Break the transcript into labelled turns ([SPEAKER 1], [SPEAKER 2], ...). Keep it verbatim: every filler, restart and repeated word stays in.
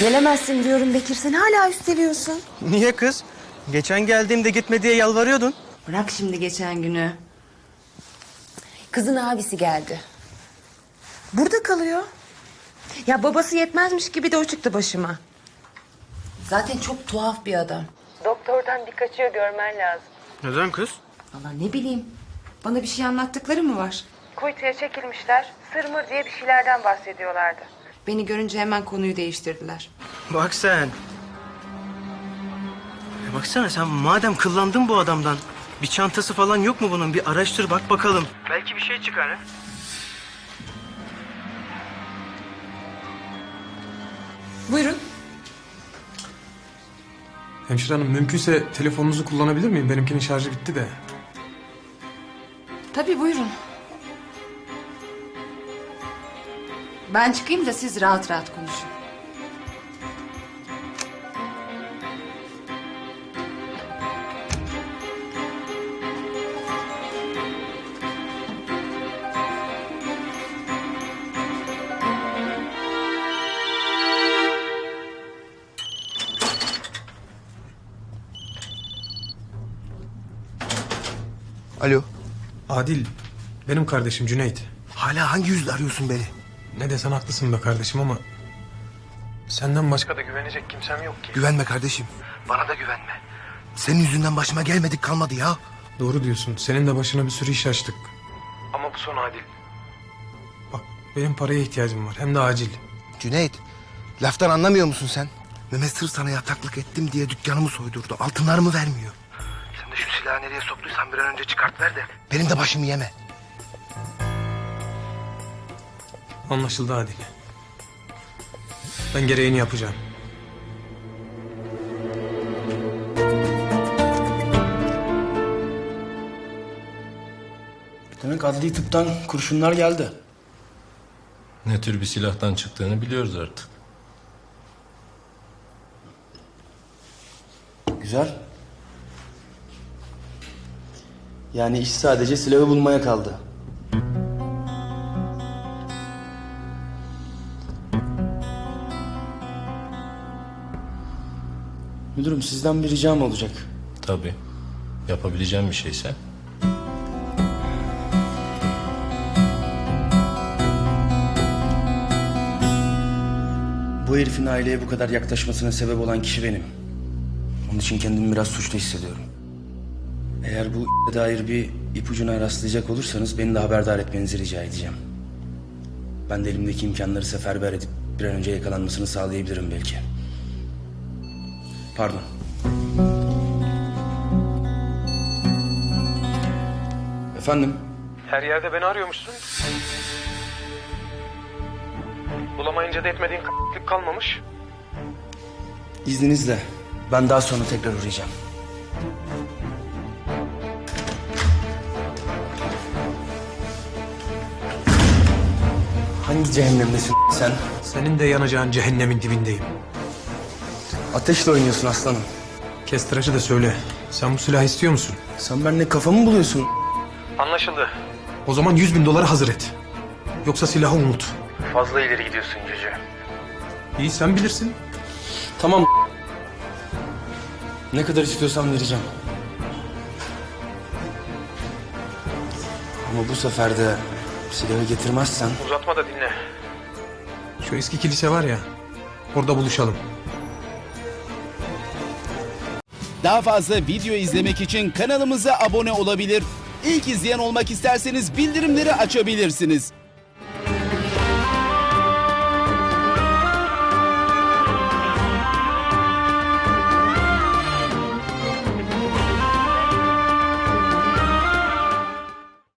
[SPEAKER 1] Gelemezsin diyorum Bekir. Sen hala üsteliyorsun.
[SPEAKER 2] Niye kız? Geçen geldiğimde gitme diye yalvarıyordun.
[SPEAKER 1] Bırak şimdi geçen günü. Kızın abisi geldi. Burada kalıyor. Ya babası yetmezmiş gibi de o çıktı başıma. Zaten çok tuhaf bir adam. Doktordan bir kaçıyor, görmen lazım.
[SPEAKER 2] Neden kız?
[SPEAKER 1] Vallahi ne bileyim. Bana bir şey anlattıkları mı var? Kuytuya çekilmişler. Sırmır diye bir şeylerden bahsediyorlardı. Beni görünce hemen konuyu değiştirdiler.
[SPEAKER 2] Bak sen. Ya baksana sen madem kıllandın bu adamdan. Bir çantası falan yok mu bunun? Bir araştır bak bakalım. Belki bir şey çıkar ha.
[SPEAKER 1] Buyurun.
[SPEAKER 3] Hemşire hanım mümkünse telefonunuzu kullanabilir miyim? Benimkinin şarjı bitti de.
[SPEAKER 1] Tabii buyurun. Ben çıkayım da siz rahat rahat konuşun.
[SPEAKER 4] Alo.
[SPEAKER 3] Adil, benim kardeşim Cüneyt.
[SPEAKER 4] Hala hangi yüzle arıyorsun beni?
[SPEAKER 3] Ne desen haklısın be kardeşim ama... senden başka da güvenecek kimsem yok ki.
[SPEAKER 4] Güvenme kardeşim. Bana da güvenme. Senin yüzünden başıma gelmedik kalmadı ya.
[SPEAKER 3] Doğru diyorsun. Senin de başına bir sürü iş açtık. Ama bu son Adil. Bak benim paraya ihtiyacım var. Hem de acil.
[SPEAKER 4] Cüneyt, laftan anlamıyor musun sen? Mehmet sır sana yataklık ettim diye dükkanımı soydurdu. Altınlarımı vermiyor. Sen de şu silahı nereye soktuysan bir an önce çıkart ver de benim de başımı yeme.
[SPEAKER 3] Anlaşıldı Adil. Ben gereğini yapacağım.
[SPEAKER 5] Demek adli tıptan kurşunlar geldi.
[SPEAKER 6] Ne tür bir silahtan çıktığını biliyoruz artık.
[SPEAKER 5] Güzel. Yani iş sadece silahı bulmaya kaldı. Müdürüm sizden bir ricam olacak.
[SPEAKER 6] Tabii. Yapabileceğim bir şeyse.
[SPEAKER 5] Bu herifin aileye bu kadar yaklaşmasına sebep olan kişi benim. Onun için kendimi biraz suçlu hissediyorum. Eğer bu dair bir ipucuna rastlayacak olursanız beni de haberdar etmenizi rica edeceğim. Ben de elimdeki imkanları seferber edip bir an önce yakalanmasını sağlayabilirim belki. Pardon. Efendim?
[SPEAKER 3] Her yerde beni arıyormuşsun. Bulamayınca da etmediğin k***lik kalmamış.
[SPEAKER 5] İzninizle ben daha sonra tekrar uğrayacağım. Hangi cehennemdesin sen?
[SPEAKER 3] Senin de yanacağın cehennemin dibindeyim.
[SPEAKER 5] Ateşle oynuyorsun aslanım.
[SPEAKER 3] Kes tıraşı da söyle. Sen bu silahı istiyor musun?
[SPEAKER 5] Sen benimle kafamı buluyorsun.
[SPEAKER 3] Anlaşıldı. O zaman yüz bin doları hazır et. Yoksa silahı unut.
[SPEAKER 5] Fazla ileri gidiyorsun Cüce.
[SPEAKER 3] İyi sen bilirsin.
[SPEAKER 5] Tamam. Ne kadar istiyorsan vereceğim. Ama bu sefer de silahı getirmezsen...
[SPEAKER 3] Uzatma da dinle. Şu eski kilise var ya, orada buluşalım.
[SPEAKER 7] Daha fazla video izlemek için kanalımıza abone olabilir. İlk izleyen olmak isterseniz bildirimleri açabilirsiniz.